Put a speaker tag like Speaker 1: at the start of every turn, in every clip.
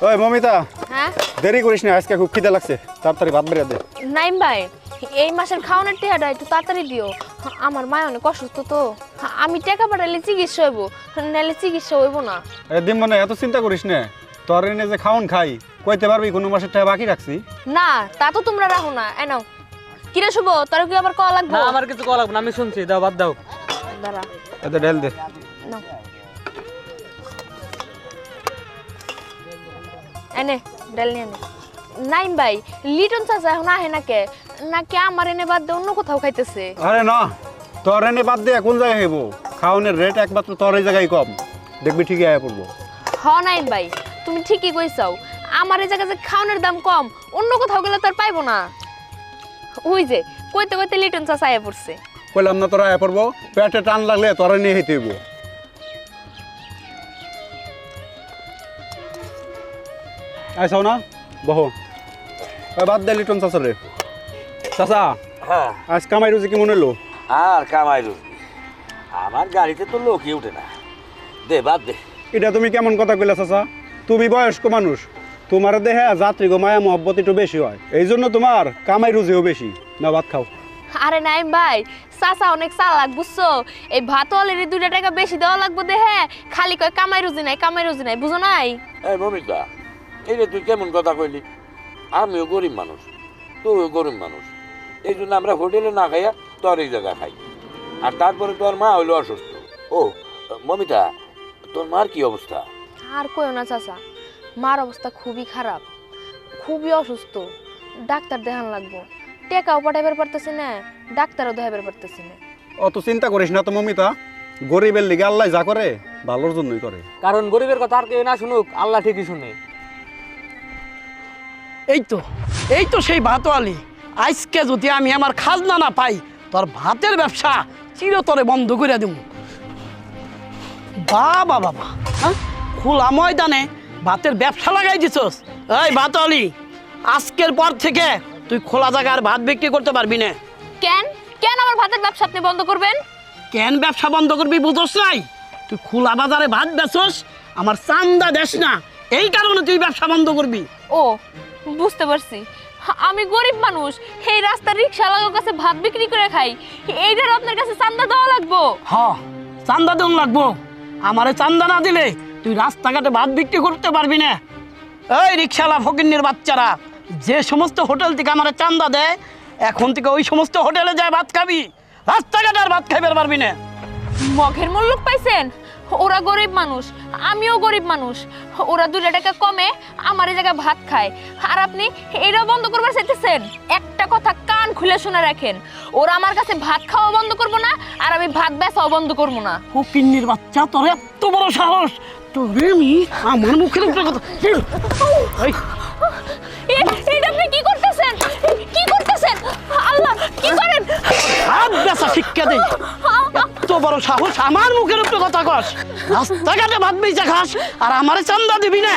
Speaker 1: ওই মমিতা,
Speaker 2: হ্যাঁ
Speaker 1: দেরি করিস না, আজকে খুব খিদে লাগছে, তাড়াতাড়ি ভাত বেড়ে দে।
Speaker 2: নাইম ভাই, এই মাসের খাওয়ানোর টাকাটা একটু তাড়াতাড়ি দিও। আমার মা অনেক অসুস্থ তো, আমি টাকা পাঠালে চিকিৎসা হইব, নাহলে চিকিৎসা হইব না।
Speaker 1: দিন মানে এত চিন্তা করিস না, তোর এনে যে খাওন খাই কইতে পারবি কোনো মাসের টাকা বাকি রাখছি?
Speaker 2: না তা তো তোমরা রাখো না। এ নাও। কিরে শুভ, তোর কি আবার কল লাগবে?
Speaker 3: না আমার কিছু কল লাগবে না, আমি শুনছি, দাও বাদ দাও।
Speaker 2: দাঁড়া
Speaker 1: এত ঢেল দে।
Speaker 2: নাও, এনে ডাল নিয়ে নে। নাইম ভাই, লিটন চাচা এখন আহে নাকি আমার এনে বাদ দিয়ে অন্য কোথাও খাইতেছে?
Speaker 1: আরে না, তোর এনে বাদ দিয়ে কোন জায়গায় হইব? খাওনের রেট একমাত্র তোর এই জায়গায় কম, দেখবি ঠিকই আয়া পড়বো।
Speaker 2: হ নাইম ভাই, তুমি ঠিকই কইছাও, আমার এই জায়গায় যে খাওনের দাম কম, অন্য কোথাও গেলে তার পাইবো না। ওই যে কইতে কইতে লিটন চাচা আয়া পড়ছে।
Speaker 1: কইলাম না তোরা আয়া পড়বো, পেটে টান লাগলে তোরা নিয়ে হেঁটে হইব। আইসাও না, বহো। বাদ দে লিটন চাচা রে। চাচা,
Speaker 4: হ্যাঁ
Speaker 1: আজ কামাই রুজি কি মনে হলো?
Speaker 4: আর কামাই রুজি আমার গাড়িতে তো লোকই উঠে না, দে বাদ দে।
Speaker 1: এটা তুমি কেমন কথা কইলা চাচা? তুমি বয়স্ক মানুষ, তোমার দেহে যাত্রী গো মায়া মহব্বত একটু বেশি হয়, এই জন্য তোমার কামাই রুজিও বেশি। না ভাত খাও।
Speaker 2: আরে নাইম ভাই, চাচা অনেক চালাক বুঝছো, এই ভাত অলরেডি 2 টাকা বেশি দেওয়া লাগবে দেহে, খালি কয় কামাই রুজি নাই, বুঝো নাই?
Speaker 4: এই মমিতা, এই রে তুই কেমন কথা কইলি? আমিও গরিব মানুষ, তুইও গরিব মানুষ, এই জন্য আমরা হোটেলে না খাইয়া তোর এই জায়গা খাই। আর তারপরে তোর মা হইলো অসুস্থ। ও মমিতা, তোর মার কি অবস্থা?
Speaker 2: আর কইও না চাচা, মার অবস্থা খুবই খারাপ, খুবই অসুস্থ, ডাক্তার দেখান লাগবো, টেকাও পাঠাইবার পারতেছি না, ডাক্তারও দেখাইবার পারতেছি না।
Speaker 1: অত চিন্তা করিস না তো মমিতা, গরিবের লিগে আল্লাহ যা করে ভালোর জন্যই করে।
Speaker 3: কারণ গরিবের কথা আর কেউ না শুনুক, আল্লাহ ঠিকই শুনে।
Speaker 5: এই তো সেই ভাতওয়ালি, আজকে যদি আমি আমার খাজনা না পাই, তোর ভাতের ব্যবসা চিরতরে বন্ধ করে দেব। বাবা বাবা, হ্যাঁ, খোলা ময়দানে ভাতের ব্যবসা লাগাই দিছস। এই ভাতওয়ালি, আজকের পর থেকে তুই খোলা জায়গায় আর ভাত বিক্রি করতে পারবি না।
Speaker 2: কেন কেন আমার ভাতের ব্যবসা আপনি বন্ধ করবেন?
Speaker 5: কেন ব্যবসা বন্ধ করবি বুঝছ নাই? তুই খোলা বাজারে ভাত বেচস, আমার চান্দা দেস না, এই কারণে তুই ব্যবসা বন্ধ করবি।
Speaker 2: ও বুঝতে পারছি, আমি গরিব মানুষ, এই রাস্তার রিক্সাওয়ালার কাছে ভাত বিক্রি করে খাই, এইটার আপনার কাছে চান্দা দেওয়া লাগবো?
Speaker 5: হ, চান্দা দেন লাগবো। আমারে চান্দা না দিলে তুই রাস্তাঘাটে ভাত বিক্রি করতে পারবি না। এই রিক্সাওয়ালা ফকিন্নির বাচ্চারা, যে সমস্ত হোটেল থেকে আমার চান্দা দেয়, এখন থেকে ওই সমস্ত হোটেলে যায় ভাত খাবি, রাস্তাঘাটে আর ভাত খাইবার পারবি না।
Speaker 2: মগের মূল্য পাইছেন? ওরা গরিব মানুষ, আমিও গরিব মানুষ, ওরা 2 টাকা কমে আমার এই জায়গায় ভাত খায়, আর আপনি এটা বন্ধ করবার চাইতেছেন? একটা কথা কান খুলে শুনে রাখেন, ওরা আমার কাছে ভাত খাওয়া বন্ধ করবো না, আর আমি ভাত বেচাও বন্ধ করবো না।
Speaker 5: ফকিন্নির বাচ্চা, তোর এত বড় সাহস! তোরে আমি আমার মুখের উপরে কথা এই,
Speaker 2: এটা আপনি কি করতেছেন? কি করতেছেন? আল্লাহ, কি করেন?
Speaker 5: ভাত বেচা শিক্ষা দেই, এত বড় সাহস আমার মুখের উপরে কথা কস? রাস্তাঘাটে ভাত বেচা খাস আর আমারে চান্দা দিবি না?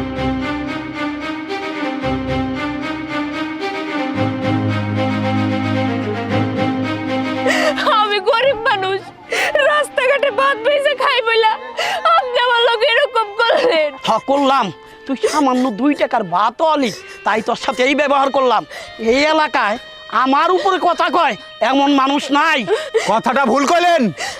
Speaker 2: আমি গরিব মানুষ, রাস্তাঘাটে ভাত বেচে খাই বইলা আপনি আমার লোক এরকম করলেন?
Speaker 5: হ্যাঁ করলাম, তুই সামান্য 2 টাকার ভাতও আলি, তাই তোর সাথে এই ব্যবহার করলাম। এই এলাকায় আমার উপরে কথা কয় এমন মানুষ নাই।
Speaker 1: কথাটা ভুল কইলেন।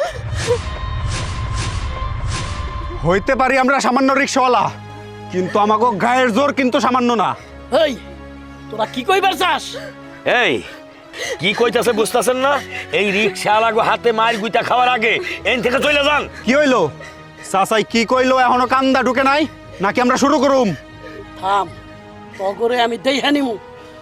Speaker 1: হইতে পারি আমরা সামান্য রিক্সাওয়ালা, কিন্তু আমাকে গায়ের জোর কিন্তু সামান্য না।
Speaker 5: এই তোরা কি কইবার চাস?
Speaker 4: এই কি কইতাছে বুঝতাছেন না? এই রিক্সা লাগো হাতে মার গুইতা খাওয়ার আগে এন থেকে চলে যান।
Speaker 1: কি হইলো চাচাই? কি কইলো এখনো কান্দা ঢুকে নাই নাকি আমরা শুরু করুম?
Speaker 5: থাম, তগরে আমি দেইহা নিমু।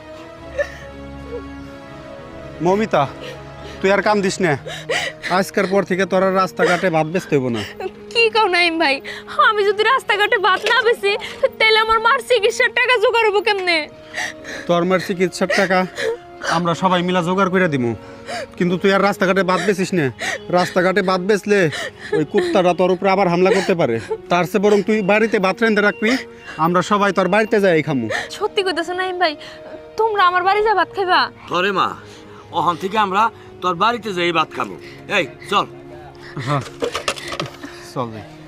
Speaker 1: মমিতা, তুই আর কাম দিস না, আজকের পর থেকে তোর আর রাস্তাঘাটে ভাত বেচতে হইব না।
Speaker 2: কি কও নাইম ভাই, আমি যদি রাস্তাঘাটে ভাত না বেচি তাহলে আমার মার চিকিৎসার টাকা জোগাড় হবো কেমনে?
Speaker 1: তোর মার চিকিৎসার টাকা আমরা সবাই মিলা জোগাড় করে দিমু, কিন্তু তুই আর রাস্তাঘাটে ভাত বেচিস না। রাস্তাঘাটে ভাত বেচলে ওই কুত্তাটা তোর উপরে আবার হামলা করতে পারে, তার চেয়ে বরং তুই বাড়িতে ভাত রেঁধে রাখবি, আমরা সবাই তোর বাড়িতে যাই খামু।
Speaker 2: সত্যি কইতেছো নাইম ভাই, তোমরা আমার বাড়ি যা ভাত খাইবা?
Speaker 4: তোরে মা, ওখান থেকে আমরা তোর বাড়িতে যাই ভাত খাবো। এই চল।
Speaker 1: হ্যাঁ চল।